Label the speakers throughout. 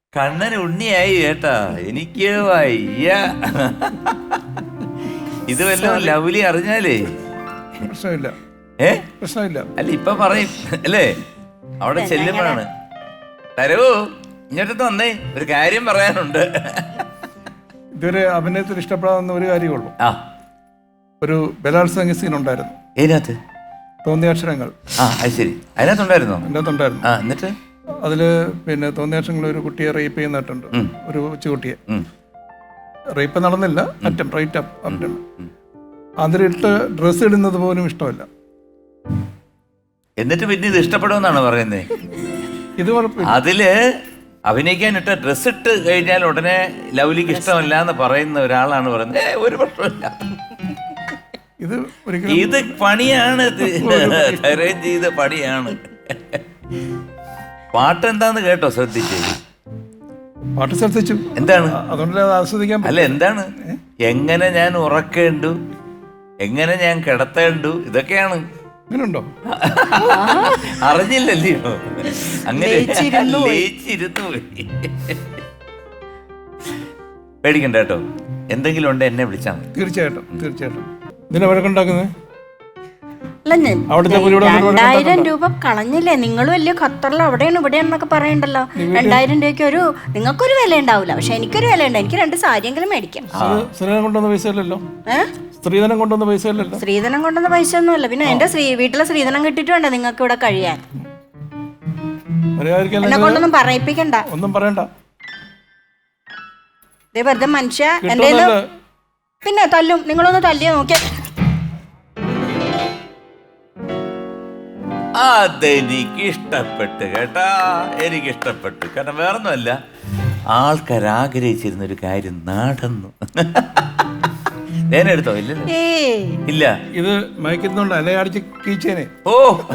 Speaker 1: കണ്ണൻ ഉണ്ണിയായി കേട്ടാ. എനിക്ക് വയ്യ. ഇത് വല്ലതും ലവ്ലി അറിഞ്ഞാലേ
Speaker 2: പ്രശ്നമില്ല. പ്രശ്നമില്ല.
Speaker 1: അല്ല ഇപ്പൊ പറയും അല്ലേ, അവിടെ ചെല്ലുമ്പോഴാണ്. തരൂ ഇങ്ങോട്ട് വന്നേ, ഒരു കാര്യം പറയാനുണ്ട്.
Speaker 2: ഇതുവരെ അഭിനയത്തിൽ ഇഷ്ടപ്പെടാവുന്ന ഒരു കാര്യമുള്ളൂ. ഒരു ബലാത്സംഗ സീൻ ഉണ്ടായിരുന്നു.
Speaker 1: ഏതിനകത്ത്?
Speaker 2: തോന്നിയാക്ഷരങ്ങൾ.
Speaker 1: അത് ശരി, അതിനകത്തുണ്ടായിരുന്നോ?
Speaker 2: അതിനകത്തുണ്ടായിരുന്നു.
Speaker 1: എന്നിട്ട്
Speaker 2: അതില് പിന്നെ തോന്നിയാക്ഷരങ്ങൾ ഒരു കുട്ടിയെ റേപ്പ് ചെയ്യുന്നിട്ടുണ്ട്, ഒരു കൊച്ചുകുട്ടിയെ. റേപ്പ് നടന്നില്ല, റൈറ്റ് അറ്റം. അതിലിട്ട് ഡ്രസ്സ് ഇടുന്നത് പോലും ഇഷ്ടമല്ല.
Speaker 1: എന്നിട്ട് പിന്നെ ഇത് ഇഷ്ടപ്പെടുമെന്നാണ് പറയുന്നത്.
Speaker 2: ഇത് കുഴപ്പമില്ല.
Speaker 1: അതില് അഭിനയിക്കാനിട്ട ഡ്രസ് ഇട്ട് കഴിഞ്ഞാൽ ഉടനെ ലവ്ലിക്ക് ഇഷ്ടമല്ല എന്ന് പറയുന്ന ഒരാളാണ് പറയുന്നത്. ഒരു പ്രശ്നമില്ല, ഇത് പണിയാണ്, അറേഞ്ച് ചെയ്ത പണിയാണ്. പാട്ട് എന്താന്ന് കേട്ടോ? ശ്രദ്ധിച്ചു?
Speaker 2: പാട്ട് ശ്രദ്ധിച്ചു.
Speaker 1: എന്താണ്?
Speaker 2: അതുകൊണ്ട് ആസ്വദിക്കാൻ
Speaker 1: അല്ല, എന്താണ്? എങ്ങനെ ഞാൻ ഉറക്കേണ്ടു, എങ്ങനെ ഞാൻ കിടത്തേണ്ടു, ഇതൊക്കെയാണ്.
Speaker 2: അങ്ങനെയുണ്ടോ?
Speaker 1: അറിഞ്ഞില്ലല്ലോ. അങ്ങനെ ലയിച്ചിരുന്നു പോയി. പേടിക്കണ്ട കേട്ടോ, എന്തെങ്കിലും ഉണ്ട് എന്നെ വിളിച്ചാൽ മതി.
Speaker 2: തീർച്ചയായിട്ടും തീർച്ചയായിട്ടും. ഇതിനെ വഴക്കുണ്ടാക്കുന്നത്
Speaker 3: 2000 രൂപ കളഞ്ഞില്ലേ നിങ്ങൾ? വലിയ ഖത്തറിൽ അവിടെയാണ് ഇവിടെയാണെന്നൊക്കെ പറയണ്ടല്ലോ. 2000 രൂപയ്ക്ക് നിങ്ങൾക്കൊരു വില ഉണ്ടാവില്ല, പക്ഷെ എനിക്കൊരു വില ഉണ്ട്. എനിക്ക് 2 സാരിയെങ്കിലും മേടിക്കാം.
Speaker 2: സ്ത്രീധനം കൊണ്ടുവന്ന പൈസ അല്ലല്ലോ. സ്ത്രീധനം കൊണ്ടുവന്ന പൈസ അല്ലല്ലോ.
Speaker 3: സ്ത്രീധനം കൊണ്ടുവന്ന പൈസ ഒന്നുമല്ല. പിന്നെ എന്റെ വീട്ടിലെ സ്ത്രീധനം കിട്ടിയിട്ട് വേണ്ട നിങ്ങൾക്ക് ഇവിടെ കഴിയാൻ. എന്നെ കൊണ്ടൊന്നും പറയിപ്പിക്കണ്ട,
Speaker 2: ഒന്നും പറയണ്ട.
Speaker 3: വെറുതെ മനുഷ്യ എന്റെ പിന്നെ തല്ലും. നിങ്ങളൊന്ന് തല്ലിയ നോക്കിയാ
Speaker 1: അതെനിക്ക് ഇഷ്ടപ്പെട്ടു കേട്ടാ, എനിക്കിഷ്ടപ്പെട്ടു. കാരണം വേറൊന്നുമല്ല, ആൾക്കാർ ആഗ്രഹിച്ചിരുന്നൊരു കാര്യം നടന്നു. എടുത്തോ? ഇല്ലല്ലോ. ഇല്ല,
Speaker 2: ഇത് മയക്കുന്നുണ്ട്. അല്ലെ അടിച്ച് കീച്ചേനെ.
Speaker 1: ഓ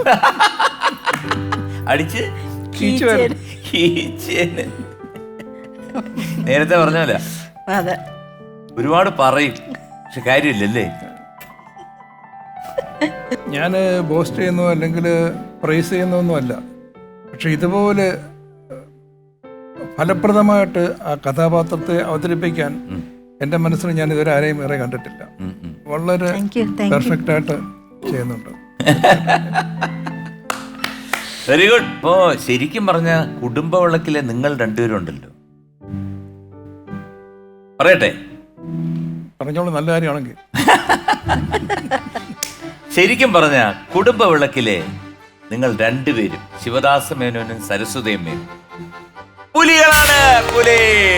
Speaker 1: അടിച്ച് കീച്ചേനെ. നേരത്തെ പറഞ്ഞല്ല, ഒരുപാട് പറയും, പക്ഷെ കാര്യമില്ലല്ലേ.
Speaker 2: ഞാൻ ബോസ്റ്റ് ചെയ്യുന്നോ അല്ലെങ്കിൽ പ്രൈസ് ചെയ്യുന്നൊന്നും അല്ല, പക്ഷെ ഇതുപോലെ ഫലപ്രദമായിട്ട് ആ കഥാപാത്രത്തെ അവതരിപ്പിക്കാൻ എൻ്റെ മനസ്സിൽ ഞാൻ ഇതുവരെ ആരെയും വേറെ കണ്ടിട്ടില്ല. വളരെ പെർഫെക്റ്റ് ആയിട്ട് ചെയ്യുന്നുണ്ട്.
Speaker 1: Very good. ഇപ്പോ ശരിക്കും പറഞ്ഞ കുടുംബ വിളക്കിലെ നിങ്ങൾ രണ്ടുപേരും ഉണ്ടല്ലോ. പറയട്ടെ?
Speaker 2: പറഞ്ഞോളൂ, നല്ല കാര്യമാണെങ്കിൽ.
Speaker 1: ശരിക്കും പറഞ്ഞ കുടുംബ വിളക്കിലെ നിങ്ങൾ രണ്ടുപേരും, ശിവദാസ മേനോനും സരസ്വതി അമ്മയും പുലികളാണ്. പുലി